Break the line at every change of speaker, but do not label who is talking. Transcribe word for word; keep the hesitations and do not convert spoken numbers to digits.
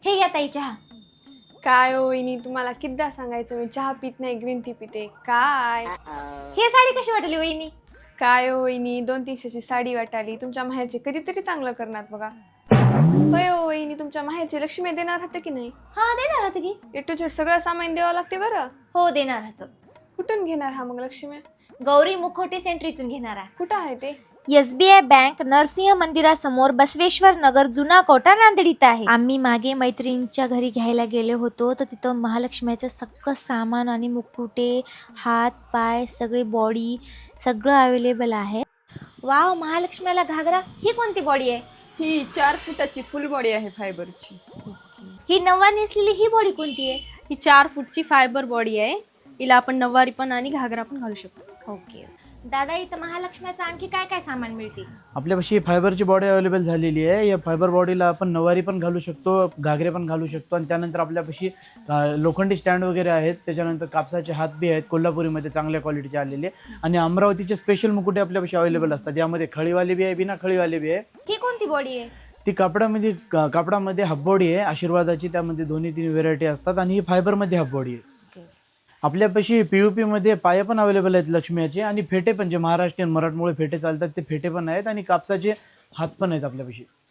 हे घ्या ताई चहा.
काय हो वहिनी, तुम्हाला कितीदा सांगायचं मी चहा पित नाही, ग्रीन टी पिते. काय
हे साडी कशी वाटली वहिनी?
काय हो वहिनी, दोन तीनशेची साडी वाटाली. तुमच्या माहेरचे कधीतरी चांगलं करणार बघा. होय हो वहिनी, तुमच्या माहेरची लक्ष्मी देणार होतं की नाही?
हा देणार होतं की.
ए टू झेड सगळं सामान द्यावं लागते बरं.
हो देणार होतं.
कुठून घेणार हा मग लक्ष्मी?
गौरी मुखोटे सेंटरीतून घेणार आहे.
कुठं आहे ते?
S B I bank Narsimha मंदिरासमोर बसवेश्वर नगर जुना कोटा नांदेड इथं आहे. आम्ही मागे मैत्रिणींच्या घरी घ्यायला गेलो होतो तर तिथं महालक्ष्मीचं सगळं सामान आणि मुकुटे, हात पाय सगळे बॉडी सगळं अवेलेबल आहे. वाव, महालक्ष्मीला घागरा. ही कोणती बॉडी आहे?
ही चार फुटाची फुल बॉडी आहे फायबरची.
ही नव्वार नेसलेली ही बॉडी कोणती आहे?
ही चार फूटची फायबर बॉडी आहे. हिला आपण नऊवारी पण आणि घागरा पण घालू शकतो.
ओके दादा, इथं महालक्ष्मीचं आणखी काय काय सामान मिळते?
आपल्यापाशी फायबरची बॉडी अवेलेबल झालेली आहे. या फायबर बॉडीला आपण नवारी पण घालू शकतो, घागरे पण घालू शकतो आणि त्यानंतर आपल्यापाशी अ, लोखंडी स्टँड वगैरे आहेत. त्याच्यानंतर कापसाचे हात बी आहेत कोल्हापुरीमध्ये चांगल्या क्वालिटीचे आलेले. आणि अमरावतीचे स्पेशल मुकुटे आपल्यापाशी अवेलेबल असतात. यामध्ये खळीवाले बी आहे, बिना खळीवाले बी आहे.
ही कोणती बॉडी आहे?
ती कापडामध्ये क- कापडामध्ये हाफ बॉडी आहे आशीर्वादाची. त्यामध्ये दोन्ही तीन व्हेरायटी असतात आणि ही फायबरमध्ये हाफ बॉडी आहे. आपल्यापाशी पीयूपी मध्ये पाय पण अवेलेबल आहेत लक्ष्मीचे आणि फेटे पण, जे महाराष्ट्रीयन मराठमोळे फेटे चालतात ते फेटे पण आहेत आणि कापसाचे हात पण आहेत आपल्यापाशी.